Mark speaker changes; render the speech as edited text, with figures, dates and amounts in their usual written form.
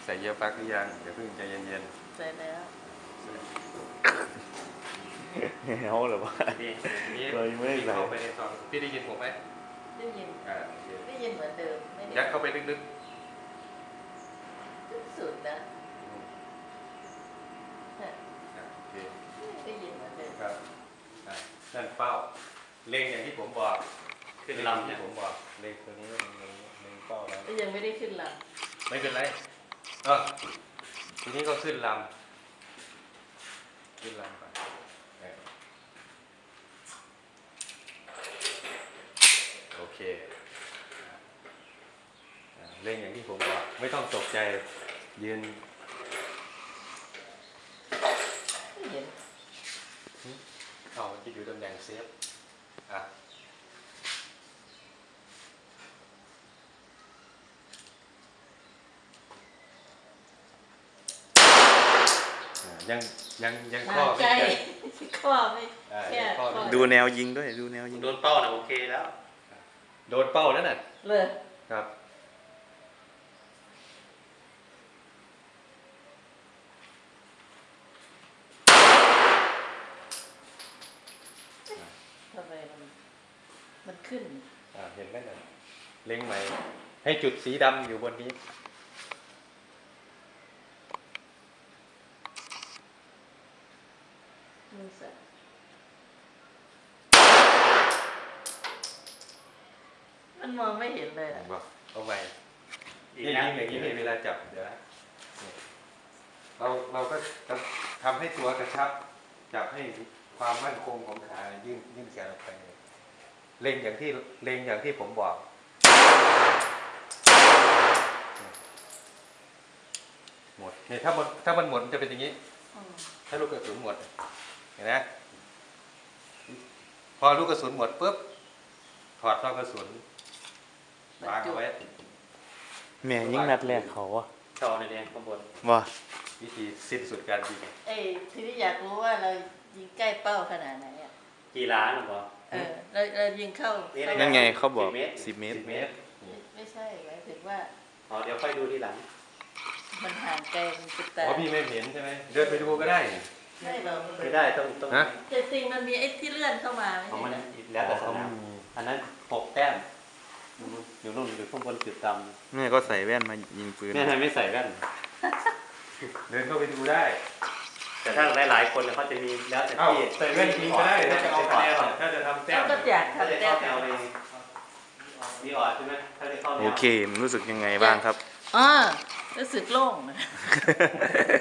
Speaker 1: ใส่เยียร์ปลั๊กหรือยังเดี๋ยวเพิ่งใจเย็น
Speaker 2: ใส่แล้ว
Speaker 3: เอาหรือว่า
Speaker 1: ๆนี่
Speaker 3: เลยไม่ได้ใส่
Speaker 1: เข้าไปในซองพี่ได้ยินผมไหม
Speaker 2: ได้ยิน
Speaker 1: โอเค
Speaker 2: ได้ยินเหมือนเดิมไม่ได้
Speaker 1: ยัดเข้าไปลึก
Speaker 2: สุดนะ
Speaker 1: ๆโอเค
Speaker 2: ได้ยินเหมือนเดิม
Speaker 1: ครับนั่นเป้าเล็งอย่างที่ผมบอก
Speaker 3: ขึ้นลำ
Speaker 1: ที่
Speaker 3: เนี่ย
Speaker 1: ผมบอกเล็งตัวนี้เล็งเป้าแล้ว
Speaker 2: ก็ยังไม่ได้ขึ้นล
Speaker 1: ไม่เป็นไรทีนี้ก็ขึ้นลำไปโอเคเล่นอย่างที่ผมบอกไม่ต้องตกใจยืน
Speaker 2: ำไม่เห็น
Speaker 1: มันจะอยู่ตำแหน่งเซฟยังข้อ
Speaker 2: ใจ
Speaker 1: ไม่
Speaker 2: ข้อไม่แค่
Speaker 1: ข้อ
Speaker 3: ดูแนวยิงด้วยดูแนวยิง
Speaker 4: โดนเป้าน่ะโอเคแล้ว
Speaker 1: โดนเป้าแล้วน่ะ
Speaker 2: เลย
Speaker 1: ครับ
Speaker 2: ทำไมมันขึ้น
Speaker 1: เห็นไหมน่ะเล็งใหม่ให้จุดสีดำอยู่บนนี้
Speaker 2: มือสั่นมันมองไม่เห็นเลยอะ
Speaker 1: บอกเอาใหม่
Speaker 4: อีก
Speaker 1: นี่
Speaker 4: นะ
Speaker 1: ยิงอย่างนี้มีเวลาจับเดี๋ยวนะนี่เราก็จะทำให้ตัวกระชับจับให้ความมั่นคงของขายื่นแขนออกไปเล็งอย่างที่ผมบอกหมดเนี่ยถ้ามันหมดมันจะเป็นอย่างนี้
Speaker 2: อืม
Speaker 1: ถ้าลูกกระสุนหมดเห็นไหมพอลูกกระสุนหมดปุ๊บถอดซองกระสุนวางเอาไว้
Speaker 3: แม่ยิงนัดแรกเขาอะ
Speaker 4: จอในแดงข้างบน
Speaker 3: ว่า
Speaker 1: วิธีสิ้นสุดการยิง
Speaker 2: ทีนี้อยากรู้ว่าเรายิงใกล้เป้าขนาดไหนอ่ะ
Speaker 4: กี่ล้านหรอปะ
Speaker 2: เรายิงเข้า
Speaker 3: นั่นไงเขาบอก
Speaker 4: 10 เมตร
Speaker 3: 10 เมตร
Speaker 1: 10 เมตร
Speaker 2: ไม่ใช่หมายถึงว่า
Speaker 4: อ๋อเดี๋ยวค่อยดูทีหลัง
Speaker 2: มันห่างไกลมันจุดตา
Speaker 1: อ๋อพี่ไม่เห็นใช่ไหมเดินไปดูก็ได้
Speaker 2: ไม่เรา
Speaker 4: ไม่ได้ต้อง
Speaker 1: ฮะ
Speaker 2: แต่จริงมันมีไอ้ที่เลื่อนเข้ามาไม่
Speaker 4: ของมัน
Speaker 2: ใช่เหรอ
Speaker 4: แล้วแต่สนามอันนั้น6 แต้มอยู่นู่นอยู่ข้างบนจุดด
Speaker 3: แม่ก็ใส่แว่นมายิงปืน
Speaker 4: ำแม่ทำไมไม่ใส่แว่น
Speaker 1: เดินเข้าไปดูได้
Speaker 4: แต่ถ้าหลายๆคนเนี่ยเขาจะมีแล้วแต่
Speaker 1: เอ้า
Speaker 4: ที่
Speaker 1: ใส่แว่นจริงก็ได้ถ้าจะเอาคะแนนถ้าจะทำแต้ม
Speaker 2: ก็อยาก
Speaker 4: ถ้าจะ
Speaker 2: ทำแต้
Speaker 4: เข้าม แนวในมีออดใช่ไหมถ้าจะเข้าแนว
Speaker 3: โอเคมันรู้สึกยังไงบ้างครับ
Speaker 2: อ๋อรู้สึกโล่งนะ